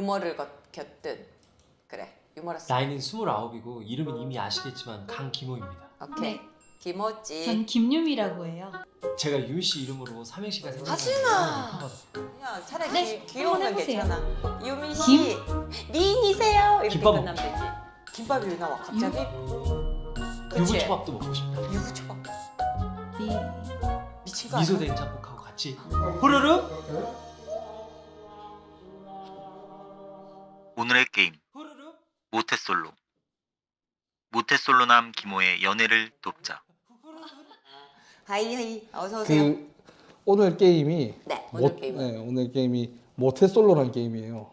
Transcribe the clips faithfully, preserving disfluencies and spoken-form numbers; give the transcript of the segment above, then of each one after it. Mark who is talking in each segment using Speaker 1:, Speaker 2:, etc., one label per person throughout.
Speaker 1: 유머를 곁든 그래 유머러스.
Speaker 2: 나이는 스물아홉이고 이름은 이미 아시겠지만 강기모입니다.
Speaker 1: 오케이.
Speaker 3: 네.
Speaker 1: 김어찌.
Speaker 3: 전 김유미라고 해요.
Speaker 2: 제가 유미 씨 이름으로 삼행시가
Speaker 1: 하지마.
Speaker 2: 생각나서
Speaker 1: 그냥 차라리
Speaker 3: 네,
Speaker 1: 귀, 귀여우면
Speaker 3: 한번 해보세요.
Speaker 1: 괜찮아. 유미 씨, 미인이세요? 이렇게
Speaker 2: 김밥
Speaker 1: 끝나면 되지. 김밥이 왜 나와 갑자기? 그치?
Speaker 2: 유부초밥도 먹고 싶다.
Speaker 1: 유부초밥.
Speaker 3: 미...
Speaker 1: 미친 거 아니야?
Speaker 2: 미소 된장국하고 같이 후루룩
Speaker 4: 오늘의 게임
Speaker 2: 후루룩
Speaker 4: 모태솔로. 모태솔로남 기모의 연애를 돕자.
Speaker 1: 하이 하이 어서 오세요.
Speaker 5: 그 오늘 게임이
Speaker 1: 네 오늘
Speaker 5: 모,
Speaker 1: 게임은
Speaker 5: 네, 오늘 게임이 모태솔로라는 게임이에요.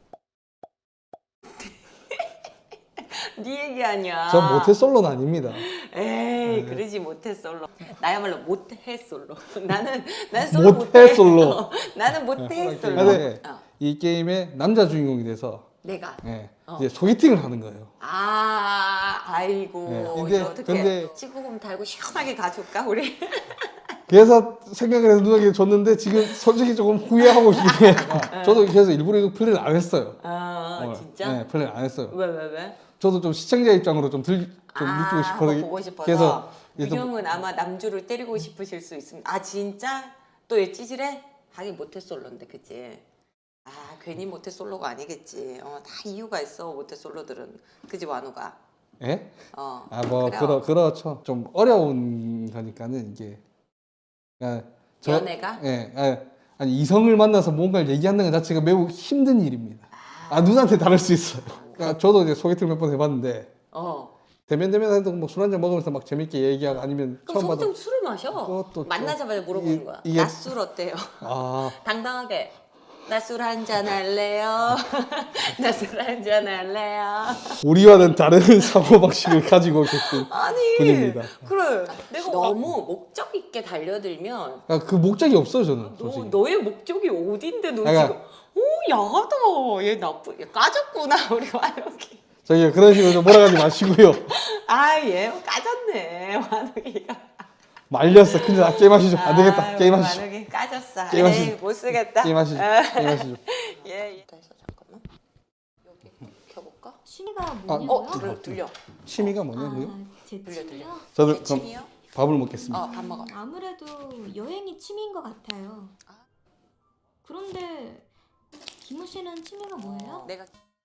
Speaker 1: 네 얘기 아니야.
Speaker 5: 전 모태솔로는 아닙니다.
Speaker 1: 에이
Speaker 5: 네.
Speaker 1: 그러지 못해 솔로. 나야말로 못해 솔로. 나는 난 솔로
Speaker 5: 못해 솔로.
Speaker 1: 어, 나는 못해
Speaker 5: 네,
Speaker 1: 솔로.
Speaker 5: 근데
Speaker 1: 어,
Speaker 5: 이 게임의 남자 주인공이 돼서
Speaker 1: 내가.
Speaker 5: 예,
Speaker 1: 어.
Speaker 5: 이제 소개팅을 하는 거예요.
Speaker 1: 아 아이고
Speaker 5: 네, 근데-
Speaker 1: 이거 어떻게
Speaker 5: 근데-
Speaker 1: 치구금 달고 시원하게 가줄까 우리?
Speaker 5: 그래서 생각을 해서 누나에게 줬는데 지금 솔직히 조금 후회하고 있긴 해요. 저도 그래서 일부러 이거 플레이를 안 했어요.
Speaker 1: 아
Speaker 5: 어,
Speaker 1: 진짜?
Speaker 5: 네, 플레이를 안 했어요.
Speaker 1: 왜 왜 왜?
Speaker 5: 저도 좀 시청자 입장으로 좀 들, 좀
Speaker 1: 아,
Speaker 5: 느끼고 싶어서.
Speaker 1: 한번 보고 싶어서.
Speaker 5: 그래서 이제 좀-
Speaker 1: 유경은 아마 남주를 때리고 싶으실 수 있습니다. 아 진짜? 또 얘 찌질해? 하긴 모태솔로인데 그치? 아 괜히 모태솔로가 아니겠지. 어, 다 이유가 있어 모태솔로들은. 그지 완우가?
Speaker 5: 예?
Speaker 1: 어.
Speaker 5: 아, 뭐,
Speaker 1: 그래요.
Speaker 5: 그러, 그렇죠. 좀 어려운 거니까는 이게. 아, 저-
Speaker 1: 연애가?
Speaker 5: 예, 아, 아니, 이성을 만나서 뭔가를 얘기하는 것 자체가 매우 힘든 일입니다. 아, 누나한테 다를 수 있어요. 그러니까 저도 이제 소개팅 몇 번 해봤는데,
Speaker 1: 어.
Speaker 5: 대면 대면 해도 뭐술 한잔 먹으면서 막 재밌게 얘기하고 아니면
Speaker 1: 그럼
Speaker 5: 처음 봐도.
Speaker 1: 소개팅 술을 마셔?
Speaker 5: 그것도 좀-
Speaker 1: 만나자마자 물어보는
Speaker 5: 이-
Speaker 1: 거야.
Speaker 5: 이게-
Speaker 1: 낮술 어때요?
Speaker 5: 아,
Speaker 1: 당당하게. 나 술 한잔 할래요? 나 술 한잔 할래요?
Speaker 5: 우리와는 다른 사고방식을 가지고 계신
Speaker 1: 아니
Speaker 5: 분입니다.
Speaker 1: 그래 내가 너무 목적 있게 달려들면
Speaker 5: 아, 그 목적이 없어요, 저는.
Speaker 1: 너,
Speaker 5: 솔직히.
Speaker 1: 너의 목적이 어딘데 너
Speaker 5: 그러니까-
Speaker 1: 지금 오 야하다 얘 나쁘 얘 까졌구나 우리 완욱이
Speaker 5: 저기 그런 식으로 좀 몰아가지 마시고요.
Speaker 1: 아얘 까졌네 완욱이가
Speaker 5: 말렸어. 근데 나 게임하시죠. 안 되겠다.
Speaker 1: 아,
Speaker 5: 게임하시죠.
Speaker 1: 완욱이 까졌어
Speaker 5: 게임하시죠.
Speaker 1: 에이 못 쓰겠다
Speaker 5: 게임하시죠.
Speaker 1: 아,
Speaker 5: 게임하시죠.
Speaker 1: 예, 예. 다시 잠깐만 여기 켜볼까?
Speaker 3: 취미가
Speaker 5: 어,
Speaker 3: 뭐냐고요?
Speaker 1: 들려 들려
Speaker 5: 취미가 뭐냐고요?
Speaker 3: 아, 제
Speaker 1: 들려, 들려.
Speaker 3: 취미요?
Speaker 5: 저도
Speaker 1: 제
Speaker 5: 그럼
Speaker 1: 취미요?
Speaker 5: 밥을 먹겠습니다.
Speaker 1: 어밥 먹어
Speaker 3: 아무래도 여행이 취미인 것 같아요.
Speaker 1: 아.
Speaker 3: 그런데 김우 씨는 취미가 뭐예요?
Speaker 1: 내가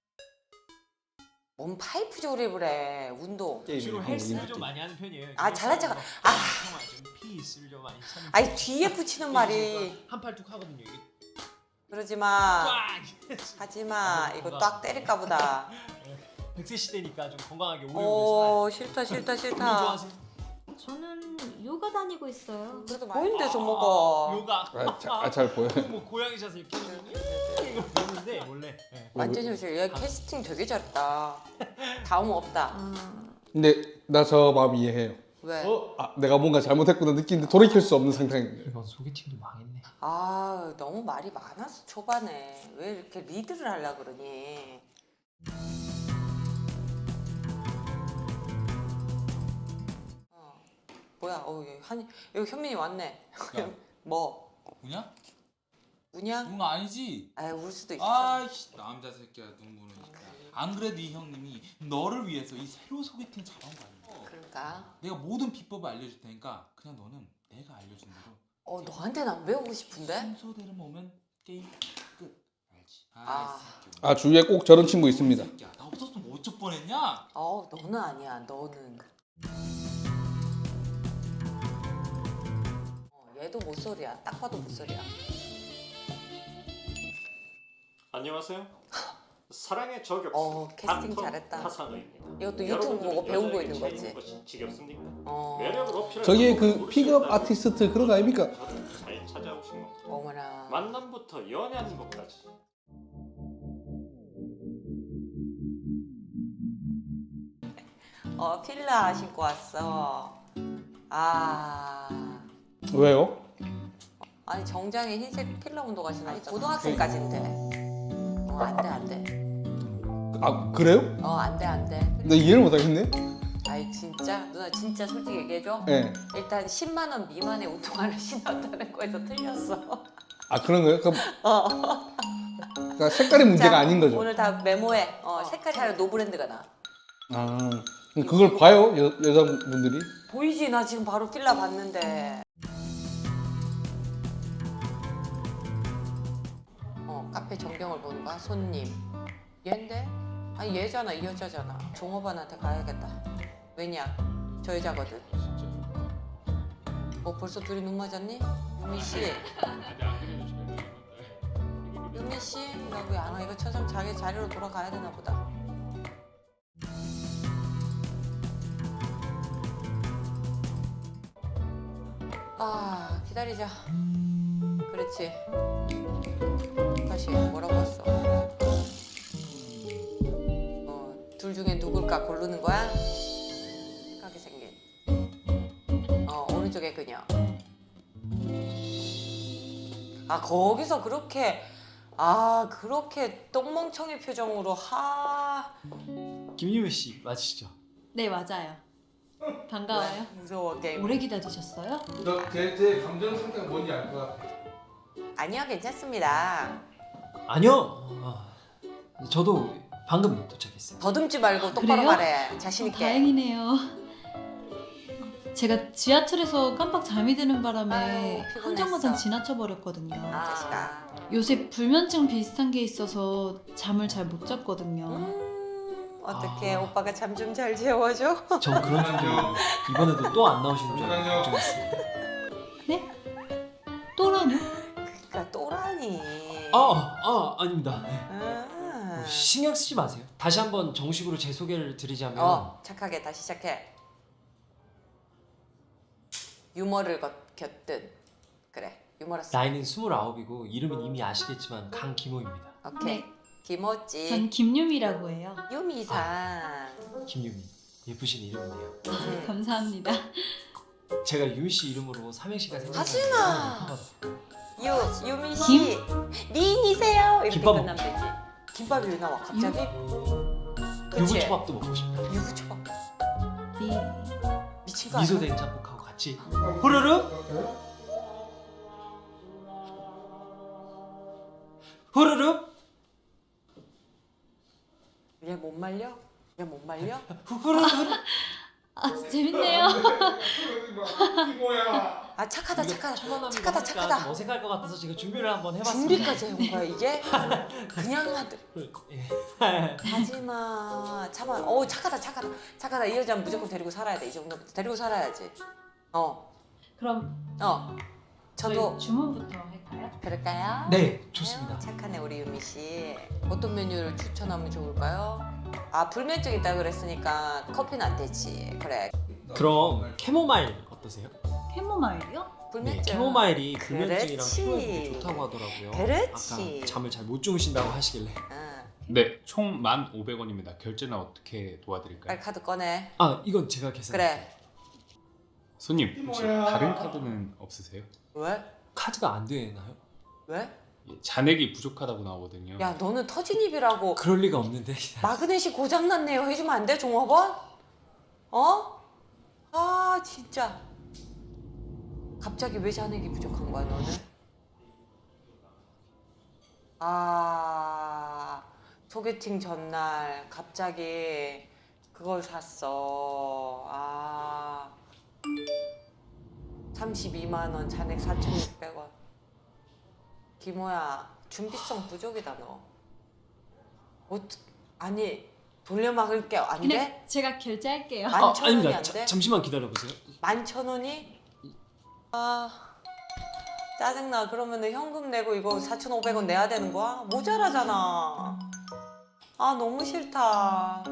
Speaker 1: 뭔 파이프 조립을 해 운동
Speaker 2: 지금 헬스를 좀 많이 하는 편이에요.
Speaker 1: 아, 잘난 척- 아.
Speaker 2: 피스를 좀 많이 차는
Speaker 1: 아니 뒤에 붙이는 말이
Speaker 2: 한팔 뚝 하거든요. 이게
Speaker 1: 그러지 마
Speaker 2: 꽉!
Speaker 1: 하지 마 이거 딱 때릴까 보다
Speaker 2: 백 세 시대니까 좀 건강하게 오래오래
Speaker 1: 오 싫다 싫다
Speaker 2: 살아요. 운동
Speaker 1: 싫다
Speaker 2: 좋아하세요?
Speaker 3: 저는 요가 다니고 있어요.
Speaker 1: 그래도 보이는데 좀
Speaker 2: 아,
Speaker 1: 먹어
Speaker 2: 요가.
Speaker 5: 아, 자, 아, 잘 보여요.
Speaker 2: 뭐 고양이 샷을 이렇게 이거 보는데 원래. 네.
Speaker 1: 완전 현실 얘 캐스팅 되게 잘했다 다음 없다
Speaker 3: 아,
Speaker 5: 근데 나 저 마음 이해해요.
Speaker 1: 왜?
Speaker 2: 어?
Speaker 5: 아, 내가 뭔가 잘못했구나 느끼는데 돌이킬 수 없는 상태인
Speaker 2: 이번 소개팅도 망했네.
Speaker 1: 아 너무 말이 많았어 초반에 왜 이렇게 리드를 하려 그러니 어. 뭐야 어 여기 한 여기 현민이 왔네 뭐
Speaker 6: 우냐?
Speaker 1: 우냐?
Speaker 6: 응 아니지.
Speaker 1: 아 울 수도 있어
Speaker 6: 아이씨 남자 새끼야 눈물은 진짜. 안 그래도 이 형님이 너를 위해서 이 새로 소개팅 잡아온 거 아니야?
Speaker 1: 그러니까
Speaker 6: 내가 모든 비법을 알려줄 테니까 그냥 너는 내가 알려준 대로
Speaker 1: 어 너한테는 안 배우고 싶은데?
Speaker 6: 순서대로 오면 게임 끝. 알지?
Speaker 1: 아.
Speaker 6: 아, 이 새끼야.
Speaker 5: 아, 주위에 꼭 저런 친구 있습니다.
Speaker 6: 이 새끼야. 나 없었으면 뭐 어쩔 뻔했냐?
Speaker 1: 어 너는 아니야 너는 어, 얘도 못소리야 딱 봐도 못소리야
Speaker 7: 안녕하세요. 사랑의 저격수
Speaker 1: 어, 캐스팅
Speaker 7: 닥터
Speaker 1: 잘했다.
Speaker 7: 하상우입니다.
Speaker 1: 이것도 유튜브
Speaker 7: 여러분들은
Speaker 1: 보고 배운 거
Speaker 7: 여자에게
Speaker 1: 있는
Speaker 7: 차이
Speaker 1: 거지
Speaker 7: 것이 지겹습니까?
Speaker 1: 어
Speaker 7: 매력을 어필할
Speaker 5: 저게
Speaker 7: 방법을
Speaker 5: 그 픽업
Speaker 7: 모르시겠다면
Speaker 5: 아티스트 그런 거 아닙니까?
Speaker 7: 저를 잘 찾아오신 겁니다.
Speaker 1: 어머나
Speaker 7: 만남부터 연애하는 것까지
Speaker 1: 어 필라 신고 왔어 아
Speaker 5: 왜요?
Speaker 1: 아니 정장에 흰색 필라 운동화 신으니까 고등학생까지는 돼어 안돼 안돼
Speaker 5: 아, 그래요?
Speaker 1: 어 안돼 안돼
Speaker 5: 나 이해를 못 하겠네.
Speaker 1: 아이 진짜 누나 진짜 솔직히 얘기해줘
Speaker 5: 예.
Speaker 1: 일단 십만 원 미만의 운동화를 신었다는 거에서 틀렸어
Speaker 5: 아, 그런 거예요? 그럼
Speaker 1: 어
Speaker 5: 그럼 그러니까 색깔이 문제가
Speaker 1: 자,
Speaker 5: 아닌 거죠.
Speaker 1: 오늘 다 메모해. 어, 색깔이 차라리 노브랜드가 나.
Speaker 5: 아 그걸 봐요 여, 여자분들이?
Speaker 1: 보이지? 나 지금 바로 필라 봤는데. 어, 카페 전경을 보는 거야? 손님. 얘인데? 아니 얘잖아, 이 여자잖아. 종업원한테 가야겠다. 왜냐? 저 여자거든. 어, 벌써 둘이 눈 맞았니? 유미 씨. 유미 씨, 나 왜 안 와? 이거 천상 자기 자리로 돌아가야 되나 보다. 아, 기다리자. 그렇지. 다시 뭐라고 했어? 어, 둘 중에 누굴까 고르는 거야? 착하게 생긴. 어, 오른쪽에 그녀. 아, 거기서 그렇게 아, 그렇게 똥멍청이 표정으로 하
Speaker 2: 김유미 씨 맞으시죠?
Speaker 8: 네, 맞아요. 반가워요.
Speaker 1: 무서워 게임.
Speaker 8: 오래 기다리셨어요?
Speaker 5: 제, 제 감정 상태가 뭔지 알 것 같아.
Speaker 1: 아니요, 괜찮습니다.
Speaker 2: 아니요. 아, 저도 방금 도착했어요.
Speaker 1: 더듬지 말고 똑바로
Speaker 8: 그래요?
Speaker 1: 말해. 자신
Speaker 8: 어,
Speaker 1: 있게.
Speaker 8: 다행이네요. 제가 지하철에서 깜빡 잠이 드는 바람에
Speaker 1: 아유, 피곤했어.
Speaker 8: 한 정거장 지나쳐 버렸거든요.
Speaker 1: 아, 자식아.
Speaker 8: 요새 불면증 비슷한 게 있어서 잠을 잘 못 잤거든요.
Speaker 1: 음, 어떻게
Speaker 2: 아.
Speaker 1: 오빠가 잠 좀 잘 재워줘?
Speaker 2: 전 그런 줄 모르고 이번에도 또 안 나오시는 줄 알고
Speaker 5: 잠깐만요.
Speaker 2: 걱정했습니다.
Speaker 8: 네? 또라뇨?
Speaker 1: 그러니까 또라니.
Speaker 2: 아, 아 아닙니다. 네.
Speaker 1: 아.
Speaker 2: 신경 쓰지 마세요. 다시 한번 정식으로 제 소개를 드리자면
Speaker 1: 어, 착하게 다시 시작해. 유머를 겉, 곁든. 그래, 유머러스.
Speaker 2: 나이는 스물아홉이고 이름은 이미 아시겠지만 강기모입니다.
Speaker 1: 오케이.
Speaker 8: 네.
Speaker 1: 김어찌.
Speaker 8: 전 김유미라고 해요.
Speaker 1: 유미상.
Speaker 2: 김유미. 예쁘신 이름이네요.
Speaker 1: 음.
Speaker 8: 감사합니다.
Speaker 2: 제가 유미 씨 이름으로 삼행시가
Speaker 1: 하지
Speaker 2: 생각나요.
Speaker 1: 마. 유, 유미 씨. 미인이세요. 이렇게
Speaker 2: 김밥
Speaker 1: 끝나면 되지. 김밥이 왜 나와 갑자기? 그치?
Speaker 2: 유부초밥도 먹고 싶다.
Speaker 1: 유부초밥.
Speaker 8: 네.
Speaker 1: 미친 거 아니야?
Speaker 2: 미소 된장국하고 같이 후루룩 후루룩
Speaker 1: 얘 못 말려? 얘 못 말려?
Speaker 2: 후루룩
Speaker 8: 아, 재밌네요.
Speaker 1: 아, 착하다,
Speaker 2: 이거
Speaker 1: 착하다.
Speaker 2: 초반함이고
Speaker 1: 착하다,
Speaker 2: 하니까
Speaker 1: 착하다.
Speaker 2: 좀 어색할 것 같아서 제가 준비를 한번 해봤습니다.
Speaker 1: 준비까지 해온 거야 이게? 그냥 하드.
Speaker 2: 예.
Speaker 1: 하지마. 참아. 어, 착하다, 착하다, 착하다. 이 여자는 무조건 데리고 살아야 돼. 이 정도면 데리고 살아야지. 어,
Speaker 8: 그럼
Speaker 1: 어. 저도
Speaker 8: 저희 주문부터 할까요?
Speaker 1: 그럴까요?
Speaker 2: 네, 좋습니다.
Speaker 1: 착하네 우리 유미 씨. 어떤 메뉴를 추천하면 좋을까요? 아, 불면증 있다 그랬으니까 커피는 안 되지. 그래.
Speaker 2: 그럼 캐모마일 어떠세요?
Speaker 8: 캐모마일이요?
Speaker 2: 네,
Speaker 1: 불면증.
Speaker 2: 캐모마일이 불면증이랑
Speaker 1: 그렇지.
Speaker 2: 피로에 좋다고 하더라고요.
Speaker 1: 그렇지.
Speaker 2: 아까 잠을 잘 못 주무신다고 하시길래.
Speaker 1: 응.
Speaker 9: 네, 총 만 오백 원입니다. 결제는 어떻게 도와드릴까요?
Speaker 1: 빨리 카드 꺼내.
Speaker 2: 아, 이건 제가 계산.
Speaker 1: 그래.
Speaker 9: 손님, 혹시 다른 카드는 없으세요?
Speaker 1: 왜?
Speaker 2: 카드가 안 되나요?
Speaker 1: 왜?
Speaker 9: 예, 잔액이 부족하다고 나오거든요.
Speaker 1: 야, 너는 터진 입이라고.
Speaker 2: 그럴 리가 없는데.
Speaker 1: 마그넷이 고장났네요. 해주면 안 돼, 종업원? 어? 아, 진짜. 갑자기 왜 잔액이 부족한 거야, 너는? 아, 소개팅 전날 갑자기 그걸 샀어. 아, 삼십이만 원, 잔액 사천육백 원. 기모야, 준비성 부족이다, 너. 어떡, 아니, 돌려막을게. 안
Speaker 8: 그냥
Speaker 1: 돼?
Speaker 8: 제가 결제할게요.
Speaker 1: 만
Speaker 2: 아,
Speaker 1: 천 원이
Speaker 2: 아닙니다.
Speaker 1: 안
Speaker 2: 자,
Speaker 1: 돼?
Speaker 2: 잠시만 기다려보세요.
Speaker 1: 만 천 원이? 아, 짜증나. 그러면은 현금 내고 이거 사천오백 원 내야 되는 거야? 모자라잖아. 아, 너무 싫다.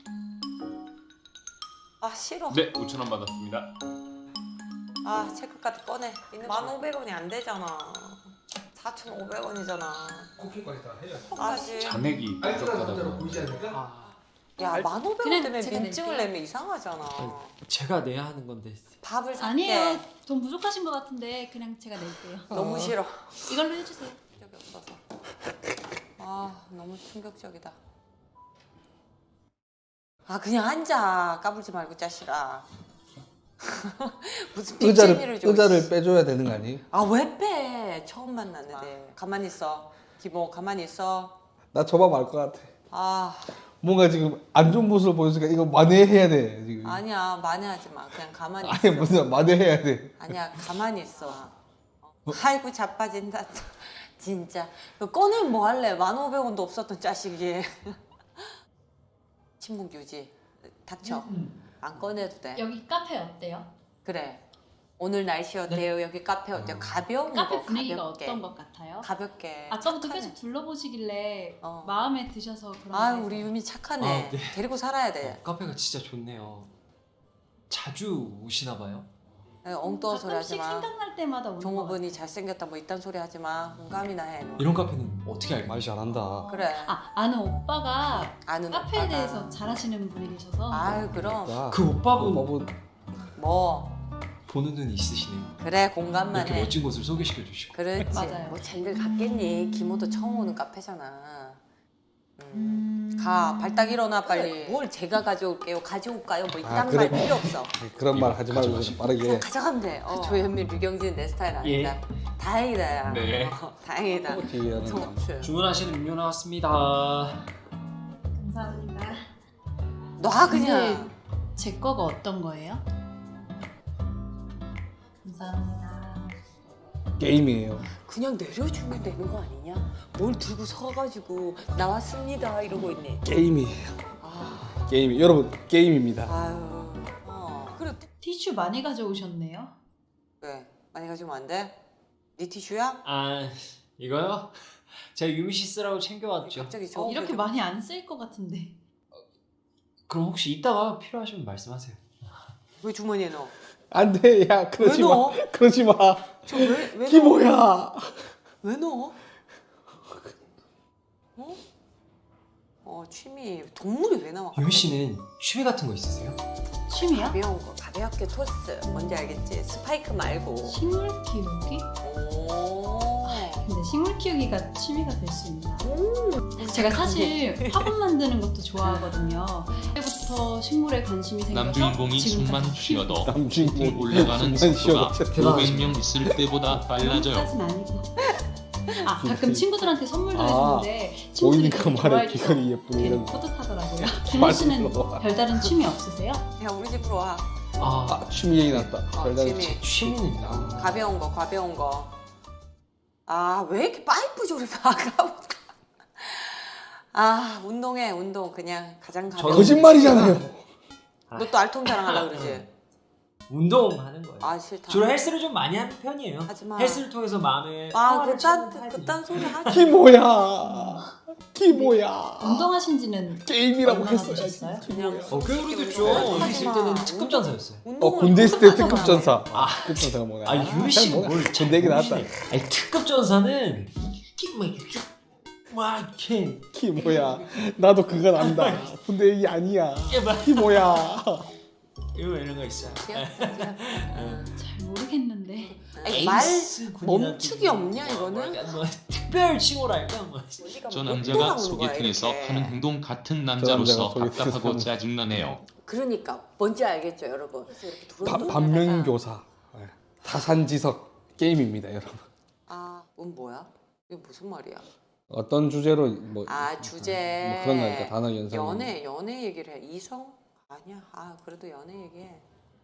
Speaker 1: 아, 싫어.
Speaker 9: 네, 오천 원 받았습니다.
Speaker 1: 아, 체크카드 꺼내. 만 오백 원이 안 되잖아. 사천오백 원이잖아.
Speaker 5: 커피까지 다 해요.
Speaker 1: 아직.
Speaker 9: 잔액이 부족하다고.
Speaker 5: 보이지 않을까?
Speaker 2: 아,
Speaker 1: 야, 만 오백 원
Speaker 8: 그냥
Speaker 1: 때문에
Speaker 8: 제가
Speaker 1: 민증을
Speaker 8: 낼게요.
Speaker 1: 내면 이상하잖아.
Speaker 2: 제가 내야 하는 건데.
Speaker 1: 밥을 살게.
Speaker 8: 아니에요. 돈 부족하신 것 같은데 그냥 제가 낼게요.
Speaker 1: 너무 싫어.
Speaker 8: 이걸로 해주세요.
Speaker 1: 적이 없어서. 아, 너무 충격적이다. 아, 그냥 앉아. 까불지 말고 자식아. 무슨
Speaker 5: 의자를
Speaker 1: 빅재미를 줘.
Speaker 5: 의자를 빼줘야 되는 거 아니에요?
Speaker 1: 아, 왜 빼? 처음 만났는데. 가만히 있어. 기모 가만히 있어.
Speaker 5: 나 저만 알 것 같아.
Speaker 1: 아
Speaker 5: 뭔가 지금 안 좋은 모습을 보여주니까 이거 만회해야 돼 지금.
Speaker 1: 아니야 만회하지 마. 그냥 가만히 있어.
Speaker 5: 아니 무슨 만회해야 돼.
Speaker 1: 아니야 가만히 있어. 어. 아이고 자빠진다. 진짜 그 꺼내면 뭐 할래? 만 오백 원도 없었던 자식이. 침묵 유지. 닥쳐. 안 꺼내도 돼.
Speaker 8: 여기 카페 어때요?
Speaker 1: 그래. 오늘 날씨 어때요? 여기 카페 어때요? 가벼운
Speaker 8: 카페
Speaker 1: 거
Speaker 8: 분위기가
Speaker 1: 가볍게.
Speaker 8: 어떤 것 같아요?
Speaker 1: 가볍게.
Speaker 8: 아까부터
Speaker 1: 착하네.
Speaker 8: 계속 둘러보시길래
Speaker 1: 어.
Speaker 8: 마음에 드셔서 그런
Speaker 1: 아유
Speaker 8: 거예요.
Speaker 1: 우리 유미 착하네.
Speaker 2: 아, 네.
Speaker 1: 데리고 살아야 돼.
Speaker 2: 카페가 진짜 좋네요. 자주 오시나 봐요?
Speaker 1: 엉뚱한 소리 하지
Speaker 8: 가끔씩
Speaker 1: 마.
Speaker 8: 생각날 때마다 오는 거
Speaker 1: 종업원이 잘생겼다 뭐 이딴 소리 하지 마. 공감이나 해. 너.
Speaker 2: 이런 카페는 어떻게 알고?
Speaker 5: 말 잘한다.
Speaker 1: 그래.
Speaker 8: 아, 아는 오빠가
Speaker 1: 아는
Speaker 8: 카페에
Speaker 1: 오빠가.
Speaker 8: 대해서 잘하시는 분이 계셔서
Speaker 1: 아유 그럼
Speaker 5: 야,
Speaker 2: 그 오빠분
Speaker 5: 뭐
Speaker 1: 뭐
Speaker 2: 보는 눈이 있으시네요.
Speaker 1: 그래 공감만
Speaker 2: 이렇게
Speaker 1: 해.
Speaker 2: 멋진 곳을 소개시켜 주시고.
Speaker 1: 그렇지.
Speaker 8: 맞아요.
Speaker 1: 뭐 쟤들 갔겠니? 김호도 처음 오는 카페잖아. 음.
Speaker 8: 음...
Speaker 1: 가 발딱 일어나 빨리. 뭘 제가 가져올게요. 가져올까요? 뭐 이딴
Speaker 5: 아, 그래?
Speaker 1: 말 필요 없어.
Speaker 5: 그런 말 하지 말고
Speaker 2: 가져가시고.
Speaker 5: 빠르게.
Speaker 1: 그냥 가져가면 돼. 어. 조현민, 류경진 내 스타일 아니다. 다행이다 야.
Speaker 9: 네.
Speaker 1: 어, 다행이다.
Speaker 5: 뒤에 하는 거.
Speaker 1: 정출.
Speaker 2: 주문하신 음료 나왔습니다.
Speaker 8: 감사합니다.
Speaker 1: 놔 그냥.
Speaker 8: 제 거가 어떤 거예요? 감사합니다.
Speaker 5: 게임이에요.
Speaker 1: 그냥 내려주면 되는 거 아니냐? 뭘 들고 서가지고 나왔습니다 이러고 있네.
Speaker 5: 게임이에요.
Speaker 1: 아,
Speaker 5: 게임. 여러분 게임입니다.
Speaker 1: 아유. 어. 그래.
Speaker 8: 티슈 많이 가져오셨네요.
Speaker 1: 왜? 많이 가지면 안 돼? 네 티슈야?
Speaker 2: 아 이거요? 제가 유미 씨 쓰라고 챙겨왔죠.
Speaker 1: 갑자기 저
Speaker 8: 어, 이렇게 많이 안 쓸 것 같은데.
Speaker 2: 그럼 혹시 이따가 필요하시면 말씀하세요.
Speaker 1: 왜 주머니에 넣어?
Speaker 5: 안 돼. 야
Speaker 1: 왜
Speaker 5: 그러지 마.
Speaker 1: 넣어?
Speaker 5: 그러지 마.
Speaker 1: 저왜왜 넣어?
Speaker 5: 기모야.
Speaker 1: 왜 넣어? 어? 어 취미 동물이 왜 나와?
Speaker 2: 유미 씨는 취미 같은 거 있으세요?
Speaker 8: 취미요?
Speaker 1: 가벼운 거 가볍게 토스 뭔지 알겠지? 스파이크 말고.
Speaker 8: 식물 키우기?
Speaker 1: 오.
Speaker 8: 근데 식물 키우기가 취미가 될 수 있나? 제가 사실 화분 만드는 것도 좋아하거든요. 그때부터 식물에 관심이 생겨서
Speaker 9: 남주인공이 숨만
Speaker 8: 지금까지
Speaker 9: 쉬어도
Speaker 5: 남주인공
Speaker 9: 홈 올라가는
Speaker 5: 숨만
Speaker 9: 속도가
Speaker 5: 쉬어도
Speaker 9: 오백 명 있을 때보다 빨라져요.
Speaker 8: 까진 아니고. 아 가끔 친구들한테 선물도
Speaker 5: 아,
Speaker 8: 해주는데 친구들이
Speaker 5: 보이니까
Speaker 8: 되게
Speaker 5: 말해
Speaker 8: 좋아해줘서
Speaker 5: 귀걸이 예쁘네
Speaker 8: 되게
Speaker 5: 이런 거.
Speaker 8: 뿌듯하더라고요. 준호 씨는
Speaker 5: 맞아.
Speaker 8: 별다른 취미 없으세요?
Speaker 1: 야 우리 집으로 와.
Speaker 2: 아,
Speaker 5: 아 취미 얘기 났다.
Speaker 1: 어,
Speaker 5: 별다른
Speaker 1: 취미.
Speaker 2: 취미는 아,
Speaker 1: 가벼운 거 가벼운 거. 아 왜 이렇게 파이프 조립 아까부터. 아 운동해 운동 그냥 가장 가벼운.
Speaker 5: 거짓말이잖아요.
Speaker 1: 너 또 알통 자랑하려 그러지?
Speaker 2: 운동하는 거예요.
Speaker 1: 아 싫다.
Speaker 2: 주로 헬스를 좀 많이 하는 편이에요.
Speaker 1: 하지 마.
Speaker 2: 헬스를 통해서 마음의
Speaker 1: 아
Speaker 2: 평화를
Speaker 1: 그딴
Speaker 2: 찾는
Speaker 1: 그딴 소리 하지.
Speaker 5: 기모야. 기모야.
Speaker 8: 운동하신 지는
Speaker 5: 게임이라고
Speaker 8: 얼마나
Speaker 5: 했어야
Speaker 8: 되셨어요?
Speaker 1: 그냥
Speaker 2: 어, 꽤 오래됐죠.
Speaker 1: 운동을
Speaker 2: 여기 있을
Speaker 1: 하지 마.
Speaker 2: 때는 특급 전사였어요.
Speaker 5: 어
Speaker 1: 운동을
Speaker 5: 군대 있을 때
Speaker 1: 하잖아.
Speaker 5: 특급 전사.
Speaker 2: 아.
Speaker 5: 특급 전사가 뭐냐?
Speaker 2: 아, 유미 씨가
Speaker 5: 잘
Speaker 2: 뭘
Speaker 5: 몰라.
Speaker 2: 잘
Speaker 5: 군대 얘기 나왔다.
Speaker 2: 모르시네. 아니, 특급 전사는 이렇게 막 이렇게 막 이렇게
Speaker 5: 기모야. 나도 그건 안다. 군대 얘기 아니야.
Speaker 2: 이렇게 막
Speaker 5: 기모야.
Speaker 2: 이런 이런 거 있어요.
Speaker 8: 잘 모르겠는데.
Speaker 1: 아니, 말
Speaker 2: 에이스 군인한테
Speaker 1: 멈추기 없냐, 이거는?
Speaker 2: 뭐, 뭐, 특별 칭호랄까 뭐.
Speaker 9: 저
Speaker 1: 못
Speaker 9: 남자가
Speaker 1: 돌아오는 거야,
Speaker 9: 소개팅에서
Speaker 1: 이렇게.
Speaker 9: 하는 행동 같은
Speaker 5: 남자가
Speaker 9: 남자로서
Speaker 5: 소개팅에서
Speaker 9: 답답하고
Speaker 5: 하는-
Speaker 9: 짜증나네요.
Speaker 1: 그러니까 뭔지 알겠죠 여러분? 그래서 이렇게
Speaker 5: 바,
Speaker 1: 두런두런
Speaker 5: 반면교사. 네. 타산지석 게임입니다, 여러분.
Speaker 1: 아, 음 뭐야? 이게 무슨 말이야?
Speaker 5: 어떤 주제로 뭐,
Speaker 1: 아 주제.
Speaker 5: 뭐 그런 거니까 단어 연상.
Speaker 1: 연애 연애 얘기를 해. 이성? 아니야. 아 그래도 연애 얘기해.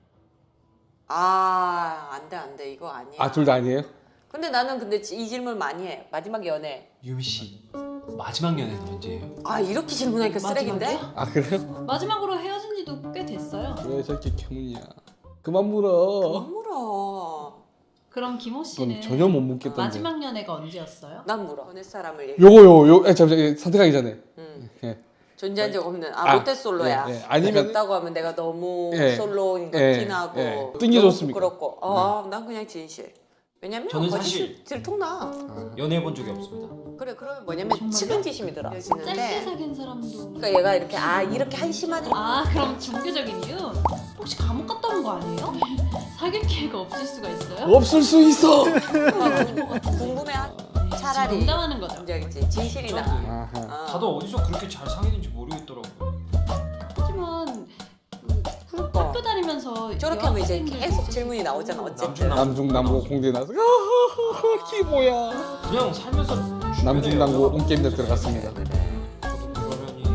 Speaker 1: 아 안돼 안돼 이거 아니야.
Speaker 5: 아, 둘 다 아니에요?
Speaker 1: 근데 나는 근데 이 질문 많이 해. 마지막 연애.
Speaker 2: 유미 씨 마지막 연애는 언제예요?
Speaker 1: 아 이렇게 질문하니까 쓰레기인데?
Speaker 8: 마지막이요?
Speaker 5: 아, 그래요?
Speaker 8: 마지막으로 헤어진 지도 꽤 됐어요.
Speaker 5: 왜 저렇게 캐문이야? 그만 물어.
Speaker 1: 안 물어.
Speaker 8: 그럼 김호
Speaker 5: 그건
Speaker 8: 씨는
Speaker 5: 전혀 못 묻겠던데.
Speaker 8: 마지막 연애가 언제였어요?
Speaker 1: 난 물어. 연애 사람을 얘기.
Speaker 5: 요거요, 요, 아, 잠시만, 선택하기 전에.
Speaker 1: 응.
Speaker 5: 예.
Speaker 1: 존재한 적 없는. 아,
Speaker 5: 아,
Speaker 1: 모태솔로야.
Speaker 5: 예, 예. 아니면-
Speaker 1: 없다고 하면 내가 너무
Speaker 5: 예.
Speaker 1: 솔로인 거
Speaker 5: 예,
Speaker 1: 티나고
Speaker 5: 예.
Speaker 1: 너무
Speaker 5: 뜬기좋습니까?
Speaker 1: 부끄럽고. 아, 난 그냥 진실. 왜냐면
Speaker 2: 저는
Speaker 1: 거짓
Speaker 2: 사실-
Speaker 1: 들통나.
Speaker 2: 연애해 본 적이 없습니다.
Speaker 1: 그래 그러면 뭐냐면
Speaker 8: 정말요?
Speaker 1: 측은지심이 들어.
Speaker 8: 짧게
Speaker 1: 지는데
Speaker 8: 사귄 사람도.
Speaker 1: 그러니까 얘가 이렇게 아 이렇게 한심하지.
Speaker 8: 아 그럼 종교적인 이유? 혹시 감옥 갔다 온 거 아니에요? 사귈 기회가 없을 수가 있어요?
Speaker 5: 없을 수 있어!
Speaker 1: 궁금해.
Speaker 8: 네,
Speaker 1: 차라리.
Speaker 8: 지금 농담하는 거죠.
Speaker 1: 뭔지 알겠지? 진실이나.
Speaker 5: 아하.
Speaker 1: 어.
Speaker 2: 다들 어디서 그렇게 잘 사귀는지 모르겠더라고요.
Speaker 8: 하지만
Speaker 1: 그러니까.
Speaker 8: 학교 다니면서
Speaker 1: 저렇게 하면 이제
Speaker 8: 여학생들도
Speaker 1: 계속
Speaker 8: 있을
Speaker 1: 질문이
Speaker 8: 수 있고.
Speaker 1: 나오잖아. 어쨌든.
Speaker 2: 남중 남-
Speaker 5: 남중 남고 공대 나서 아하하하 기모야.
Speaker 2: 그냥 살면서
Speaker 5: 남진당고 온게임대 들어갔습니다.
Speaker 1: 그래.
Speaker 2: 저도 그러려니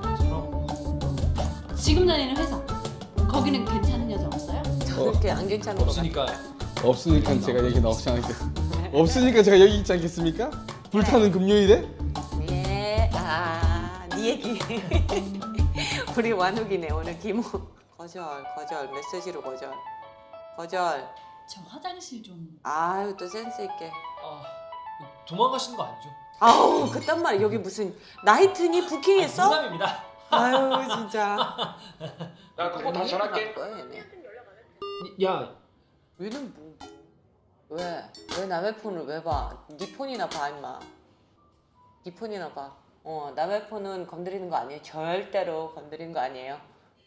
Speaker 2: 사람
Speaker 8: 지금 다니는 회사 거기는 괜찮은 여자 없어요?
Speaker 1: 저렇게 안 괜찮은 거
Speaker 2: 없으니까
Speaker 5: 없으니까 제가 여기 나오지 않겠습니다. 없으니까 제가 여기 있지 않겠습니까? 불타는 금요일에?
Speaker 1: 같아. 예. 아, 네 얘기. 우리 완욱이네 오늘 김호. 거절, 거절, 메시지로 거절. 거절.
Speaker 8: 저 화장실 좀.
Speaker 1: 아유 또 센스 있게.
Speaker 2: 아, 도망가시는 거 아니죠?
Speaker 1: 아우 그딴 말 여기 무슨 나이트니 부킹했어?
Speaker 2: 아니, 농담입니다.
Speaker 1: 아유 진짜.
Speaker 2: 야, 그거 다시 전화할게.
Speaker 1: 거야, 얘네.
Speaker 2: 야,
Speaker 1: 얘는 뭐? 왜? 왜 남의 폰을 왜 봐? 네 폰이나 봐 임마. 네 폰이나 봐. 어 남의 폰은 건드리는 거 아니에요. 절대로 건드리는 거 아니에요.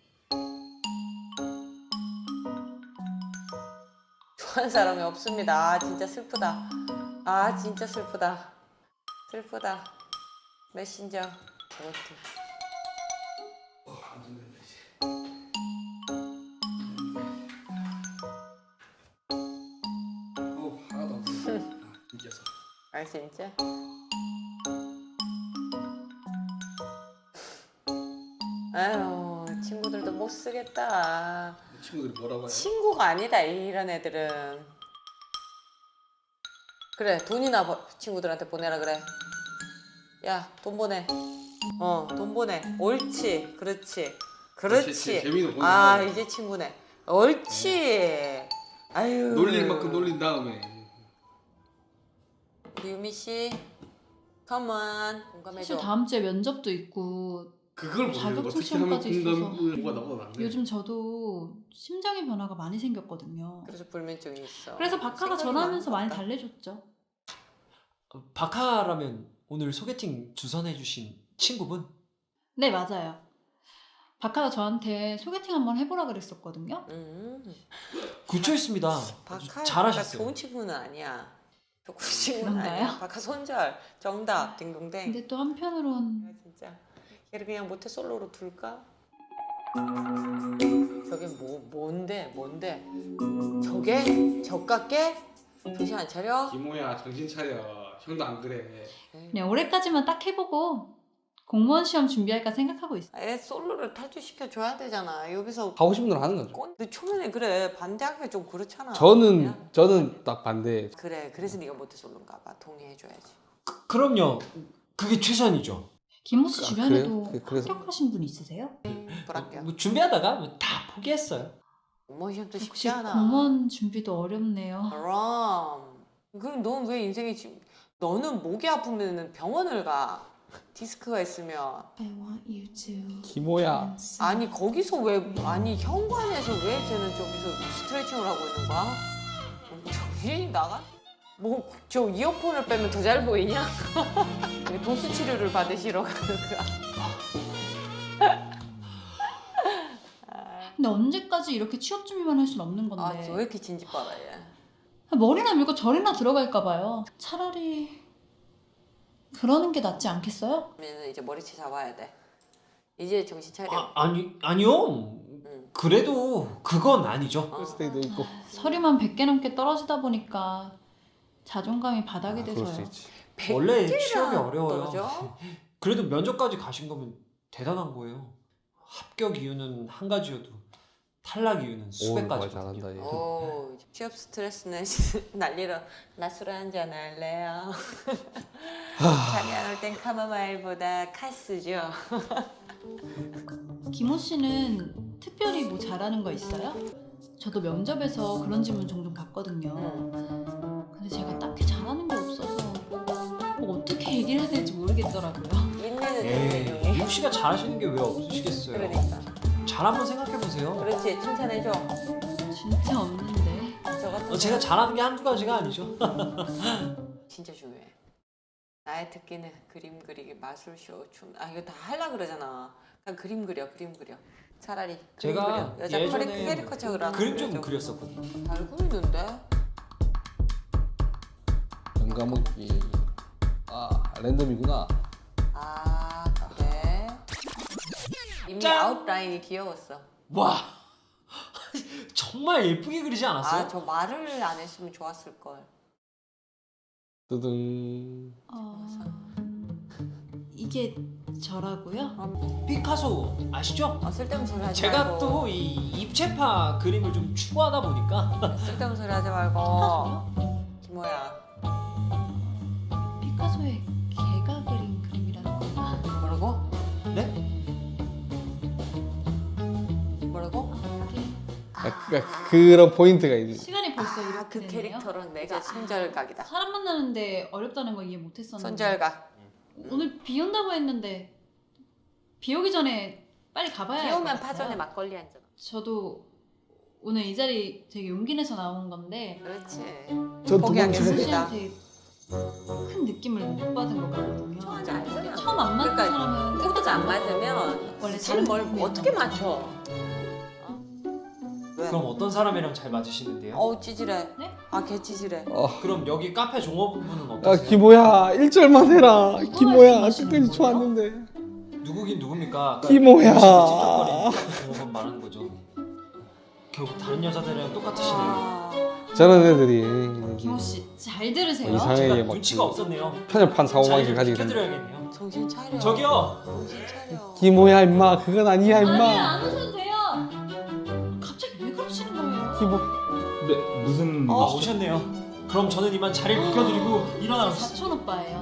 Speaker 1: 좋아하는 사람이 없습니다. 아 진짜 슬프다. 아 진짜 슬프다. 슬프다. 메신저. 그것도.
Speaker 5: 어, 하나도 안 보여. 이겨서.
Speaker 1: 아 진짜? 아유 친구들도 못 쓰겠다.
Speaker 5: 친구들이 뭐라고 해요?
Speaker 1: 친구가 아니다 이런 애들은. 그래 돈이나 버- 친구들한테 보내라 그래. 야 돈 보내. 어 돈 보내. 옳지 그렇지 그렇지.
Speaker 5: 제- 재미로 보내는
Speaker 1: 아
Speaker 5: 거야.
Speaker 1: 이제 친구네. 옳지. 아유
Speaker 5: 놀릴 만큼 놀린 다음에
Speaker 1: 우리 유미 씨 컴온
Speaker 8: 사실
Speaker 1: 공감해줘.
Speaker 8: 다음 주에 면접도 있고
Speaker 5: 그걸
Speaker 8: 자격증
Speaker 5: 보면 어떻게 하면
Speaker 8: 시험까지
Speaker 5: 공감을 뭐가 나보다 낫네.
Speaker 8: 요즘 저도 심장의 변화가 많이 생겼거든요.
Speaker 1: 그래서 불면증이 있어.
Speaker 8: 그래서 박하가
Speaker 1: 생각이
Speaker 8: 전화하면서 많이
Speaker 1: 많았다.
Speaker 8: 달래줬죠.
Speaker 2: 어, 박하라면 오늘 소개팅 주선해주신 친구분?
Speaker 8: 네 맞아요. 박하가 저한테 소개팅 한번 해보라 그랬었거든요.
Speaker 1: 음.
Speaker 2: 구초했습니다.
Speaker 1: 박하
Speaker 2: 잘하셨어요.
Speaker 1: 좋은 친구는 아니야. 좋은 친구는 아니야.
Speaker 8: 그런가요?
Speaker 1: 박하 손절 정답 딩동댕.
Speaker 8: 근데 또 한편으론
Speaker 1: 아, 진짜 얘를 그냥 모태 솔로로 둘까? 저게 뭐 뭔데 뭔데? 저게 저깎게 정신 안 차려?
Speaker 5: 김호야 정신 차려. 형도 안 그래.
Speaker 8: 그냥 올해까지만 딱 해보고 공무원 시험 준비할까 생각하고 있어요.
Speaker 1: 애 솔로를 탈주시켜 줘야 되잖아. 여기서
Speaker 5: 하고 싶은 대로 하는 거죠.
Speaker 1: 꼰. 근데 초면에 그래 반대하기가 좀 그렇잖아.
Speaker 5: 저는
Speaker 1: 야.
Speaker 5: 저는 딱 반대.
Speaker 1: 그래 그래서 네가 모태 솔로인가 봐. 동의해줘야지.
Speaker 2: 그, 그럼요. 그게 최선이죠.
Speaker 8: 김호 씨
Speaker 5: 아,
Speaker 8: 주변에도
Speaker 5: 그래요? 그- 그래서-
Speaker 8: 합격하신 분 있으세요?
Speaker 1: 불합격.
Speaker 2: 뭐 준비하다가 뭐다 포기했어요.
Speaker 1: 공무원 시험도 쉽지
Speaker 8: 역시
Speaker 1: 않아.
Speaker 8: 공무원 준비도 어렵네요.
Speaker 1: 그럼 그럼 넌 왜 인생이 지금 너는 목이 아프면 병원을 가. 디스크가 있으면
Speaker 5: 김호야.
Speaker 1: 아니 거기서 왜 아니 현관에서 왜 쟤는 저기서 스트레칭을 하고 있는 거야? 정신이 나가? 뭐 저 이어폰을 빼면 더 잘 보이냐? 도수 치료를 받으시러 가는 거야.
Speaker 8: 근데 언제까지 이렇게 취업 준비만 할 수는 없는 건데
Speaker 1: 아 왜 이렇게 진지 빨아 얘?
Speaker 8: 머리나 밀고 저리나 들어갈까 봐요. 차라리 그러는 게 낫지 않겠어요?
Speaker 1: 그러면 이제 머리채 잡아야 돼. 이제 정신 차려.
Speaker 2: 아, 아니 아니요.
Speaker 1: 응.
Speaker 2: 그래도 그건 아니죠.
Speaker 5: 스테이도 있고.
Speaker 8: 서류만 백 개 넘게 떨어지다 보니까 자존감이 바닥이
Speaker 5: 아, 그럴 수
Speaker 8: 돼서요.
Speaker 5: 있지.
Speaker 2: 원래
Speaker 1: 백 개나
Speaker 2: 취업이 어려워요.
Speaker 1: 떨어져?
Speaker 2: 그래도 면접까지 가신 거면 대단한 거예요. 합격 이유는 한 가지여도 탈락 이유는 수백
Speaker 5: 오, 말
Speaker 2: 가지거든요.
Speaker 5: 잘한다 얘.
Speaker 1: 오, 취업 스트레스는 날리러 나 술 한잔 할래요. 잠이 안 올 땐 카모마일보다 카스죠.
Speaker 8: 김호 씨는 특별히 뭐 잘하는 거 있어요? 저도 면접에서 그런 질문 종종 받거든요. 근데 제가 딱히 잘하는 게 없어서 뭐 어떻게 얘기를 해야 될지 모르겠더라고요.
Speaker 1: 인내는
Speaker 2: 에이,
Speaker 1: 되는
Speaker 2: 이욱 씨가 잘하시는 게 왜 없으시겠어요?
Speaker 1: 그러니까.
Speaker 2: 잘 한번 생각해 보세요.
Speaker 1: 그렇지, 칭찬해줘.
Speaker 8: 진짜 없는데.
Speaker 1: 저 같은
Speaker 2: 어, 제가 잘하는 게 한두 가지가 아니죠.
Speaker 1: 진짜 중요해. 나의 특기는 그림 그리기, 마술쇼, 춤. 아 이거 다 하려 그러잖아. 그냥 그림 그려, 그림 그려. 차라리 그림
Speaker 2: 제가
Speaker 1: 그려. 여자
Speaker 2: 예전에
Speaker 1: 캐리- 캐리커처럼
Speaker 2: 그림 좀
Speaker 1: 그려줘.
Speaker 2: 그렸었거든요.
Speaker 1: 잘 그리는데?
Speaker 5: 연가먹기. 아 랜덤이구나.
Speaker 1: 아 그래. 이미
Speaker 2: 짠!
Speaker 1: 아웃라인이 귀여웠어.
Speaker 2: 와 정말 예쁘게 그리지 않았어요?
Speaker 1: 아 저 말을 안 했으면 좋았을 걸.
Speaker 5: 뜨등.
Speaker 8: 어... 이게 저라고요?
Speaker 2: 피카소 아시죠?
Speaker 1: 어, 쓸데없는 소리 하지
Speaker 2: 제가
Speaker 1: 말고.
Speaker 2: 또 이 입체파 그림을 좀 추구하다 보니까
Speaker 1: 쓸데없는 소리 하지 말고. 김호야.
Speaker 8: 피카소의 개가 그린 그림이라는 거야?
Speaker 1: 뭐라고?
Speaker 2: 네?
Speaker 1: 뭐라고?
Speaker 5: 아, 그러니까 그런 포인트가 있는.
Speaker 8: 시간이 벌써
Speaker 1: 아,
Speaker 8: 이렇게
Speaker 1: 그
Speaker 8: 되네요.
Speaker 1: 캐릭터는 내가
Speaker 8: 아,
Speaker 1: 손절각이다.
Speaker 8: 사람 만나는데 어렵다는 거 이해 못했었는데
Speaker 1: 손절각.
Speaker 8: 오늘 비 온다고 했는데 비 오기 전에 빨리 가봐야
Speaker 1: 비
Speaker 8: 할것
Speaker 1: 오면
Speaker 8: 같아요.
Speaker 1: 파전에 막걸리 한 잔.
Speaker 8: 저도 오늘 이 자리 되게 용기 내서 나온 건데
Speaker 1: 그렇지.
Speaker 5: 전
Speaker 1: 포기하겠습니다.
Speaker 8: 김호 씨한테 큰 느낌을 못 받은 것 같거든요.
Speaker 1: 처음에 안 맞으면.
Speaker 8: 처음 안 맞는
Speaker 1: 그러니까
Speaker 8: 사람은
Speaker 1: 코드가 안 맞으면
Speaker 8: 원래
Speaker 1: 사실 뭘
Speaker 8: 다른
Speaker 1: 어떻게
Speaker 8: 느낌이었던
Speaker 1: 맞춰? 어? 왜?
Speaker 2: 그럼 어떤 사람이랑 잘 맞으시는데요?
Speaker 1: 어우 찌질해.
Speaker 8: 네?
Speaker 1: 아 개 찌질해.
Speaker 5: 어.
Speaker 2: 그럼 여기 카페 종업부는
Speaker 5: 아
Speaker 2: 어떠세요?
Speaker 5: 김호야 일 절만 해라. 김호야
Speaker 8: 말씀하시는
Speaker 5: 끝까지
Speaker 8: 거예요?
Speaker 5: 좋았는데.
Speaker 2: 누구긴 누굽니까?
Speaker 5: 김호야.
Speaker 2: 찝쩍거리는 카페 종업원 말하는 거죠. 결국 다른 여자들이랑 똑같으시네요.
Speaker 1: 아,
Speaker 5: 저런 애들이
Speaker 8: 김호 씨 잘 들으세요.
Speaker 5: 이상해.
Speaker 2: 제가
Speaker 5: 막
Speaker 2: 눈치가
Speaker 5: 그-
Speaker 2: 없었네요.
Speaker 5: 편협한 사고방식
Speaker 2: 자리를
Speaker 5: 가지게 된다.
Speaker 2: 비켜드려야겠네요.
Speaker 1: 정신 차려.
Speaker 2: 저기요.
Speaker 1: 정신 차려.
Speaker 5: 김호야 임마 그건 아니야
Speaker 8: 아니
Speaker 5: 임마.
Speaker 8: 안 오셔도 돼요. 갑자기 왜 그러시는 거예요?
Speaker 5: 김호.
Speaker 9: 네, 무슨
Speaker 2: 아 오셨네요. 그럼 저는 이만 자리를 비켜드리고
Speaker 8: 제
Speaker 2: 일어나겠습니다.
Speaker 8: 사촌 오빠예요.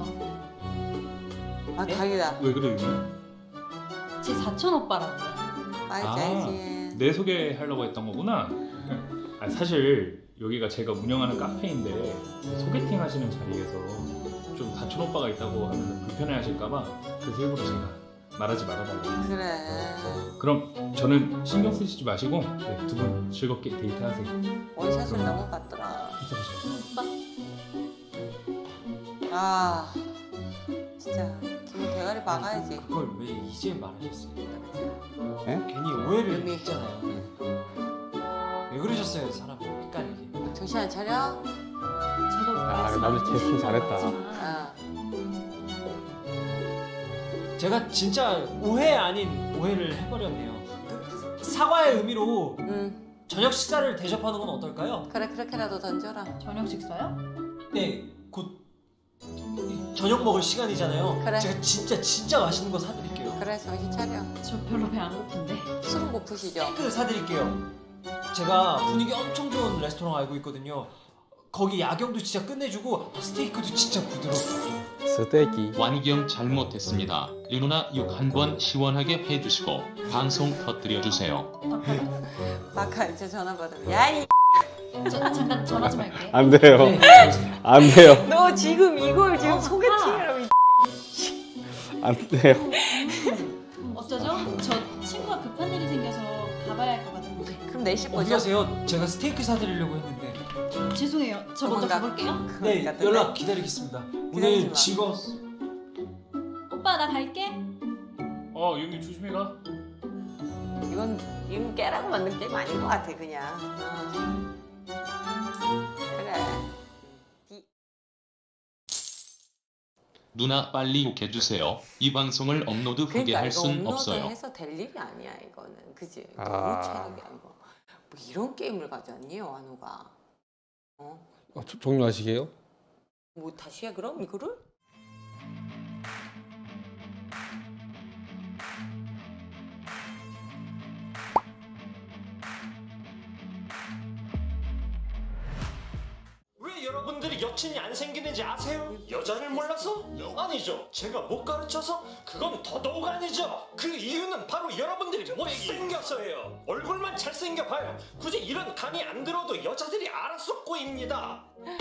Speaker 1: 아 다행이다.
Speaker 9: 왜 그래요?
Speaker 8: 제 사촌 오빠라고요.
Speaker 1: 알지
Speaker 9: 아.
Speaker 1: 알지.
Speaker 9: 내 소개하려고 했던 거구나. 아, 사실 여기가 제가 운영하는 카페인데 소개팅 하시는 자리에서 좀 사촌 오빠가 있다고 하면 불편해하실까봐 그래서 일부러 제가 말하지 말아달라고.
Speaker 1: 그래.
Speaker 9: 그럼 저는 신경 쓰시지 마시고 네, 두 분 즐겁게 데이트하세요.
Speaker 1: 원샷을 넘어갔더라.
Speaker 8: 오빠
Speaker 1: 아 진짜 김호 대가리 박아야지.
Speaker 2: 그걸 왜 이제 말하셨어요?
Speaker 5: 에?
Speaker 2: 괜히 오해를
Speaker 1: 의미.
Speaker 2: 했잖아요. 왜 그러셨어요, 사람 헷갈리게?
Speaker 1: 정신 안 차려?
Speaker 8: 저도
Speaker 5: 아, 남자 캐스팅 잘했다.
Speaker 1: 아.
Speaker 2: 제가 진짜 오해 아닌 오해를 해버렸네요. 그 사과의 의미로
Speaker 1: 음
Speaker 2: 저녁 식사를 대접하는 건 어떨까요?
Speaker 1: 그래 그렇게라도 던져라.
Speaker 8: 저녁 식사요?
Speaker 2: 네, 곧 이- 저녁 먹을 시간이잖아요.
Speaker 1: 그래.
Speaker 2: 제가 진짜 진짜 맛있는 거 사드릴게요.
Speaker 1: 그래 정신 차려.
Speaker 8: 저 별로 배 안 고픈데.
Speaker 1: 술은 고프시죠?
Speaker 2: 스테이크를 사드릴게요. 제가 분위기 엄청 좋은 레스토랑 알고 있거든요. 거기 야경도 진짜 끝내주고 스테이크도 진짜 부드럽고.
Speaker 5: 스테이키.
Speaker 10: 완경 잘못했습니다. 윤누나 욕 한 번 시원하게 해주시고 방송 터뜨려 주세요.
Speaker 1: 마카 이제 전화 받으면 야이.
Speaker 8: 저, 잠깐 전화 좀 할게.
Speaker 5: 안 돼요.
Speaker 2: 네.
Speaker 5: 안 돼요.
Speaker 1: 너 지금 이걸 지금
Speaker 8: 어,
Speaker 1: 소개팅이라고. 이-
Speaker 5: 안 돼요.
Speaker 8: 음, 어쩌죠? 저 친구가 급한 일이 생겨서 가봐야 할 것 같은데.
Speaker 1: 그럼 내실
Speaker 2: 어디
Speaker 1: 거죠?
Speaker 2: 가세요? 제가 스테이크 사드리려고 했는데.
Speaker 8: 죄송해요. 저 먼저
Speaker 1: 도망가.
Speaker 8: 가볼게요.
Speaker 2: 네,
Speaker 1: 같은데?
Speaker 2: 연락 기다리겠습니다.
Speaker 1: 기다리지
Speaker 2: 오늘
Speaker 1: 마.
Speaker 2: 즐거웠어.
Speaker 8: 오빠 나 갈게.
Speaker 9: 어, 형님 조심히 가.
Speaker 1: 이건 이건 깨라고 만든 게임 아닌 것 같아 그냥. 어. 그래.
Speaker 10: 누나 빨리 욕해주세요. 이 방송을 업로드 크게
Speaker 1: 그러니까
Speaker 10: 할
Speaker 1: 이거
Speaker 10: 순 없어요.
Speaker 1: 업로드해서 될 일이 아니야 이거는. 그지?
Speaker 5: 아.
Speaker 1: 너무 최악이야 이거. 뭐 이런 게임을 가져왔니 완우가? 어?
Speaker 5: 어, 조- 종료하시게요?
Speaker 1: 뭐 다시 해 그럼 이거를?
Speaker 7: 왜 여러분들이 여친이 안 생기는지 아세요? 여자를 몰라서? 아니죠. 제가 못 가르쳐서? 그건 더더욱 아니죠. 그 이유는 바로 여러분들이 못생겨서예요. 얼굴만 잘생겨봐요. 굳이 이런 강의 안 들어도 여자들이 알아서 꼬입니다.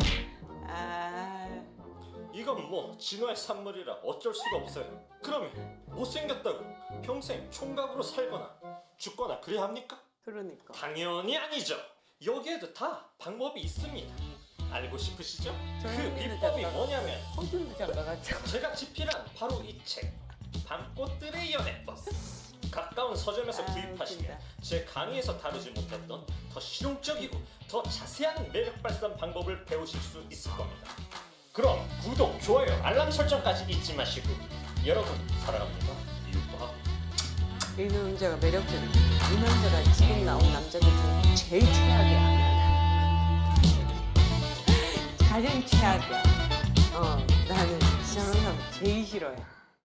Speaker 1: 아
Speaker 7: 이건 뭐 진화의 산물이라 어쩔 수가 없어요. 그러면 못생겼다고 평생 총각으로 살거나 죽거나 그래야 합니까?
Speaker 1: 그러니까.
Speaker 7: 당연히 아니죠. 여기에도 다 방법이 있습니다. 알고 싶으시죠? 그 비법이 뭐냐면
Speaker 1: 허준도 장가갔죠.
Speaker 7: 제가 집필한 바로 이 책 밤꽃들의 연애버스. 가까운 서점에서
Speaker 1: 아,
Speaker 7: 구입하시면
Speaker 1: 웃긴다.
Speaker 7: 제 강의에서 다루지 못했던 더 실용적이고 더 자세한 매력 발산 방법을 배우실 수 있을 겁니다. 그럼 구독, 좋아요, 알람 설정까지 잊지 마시고 여러분 사랑합니다. 유바.
Speaker 1: 이 남자가 매력적이야. 이 남자가 지금 나온 남자들 중에 제일 최악이야. 가장 최악이야. 어, 나는 저런 사람 제일 싫어해.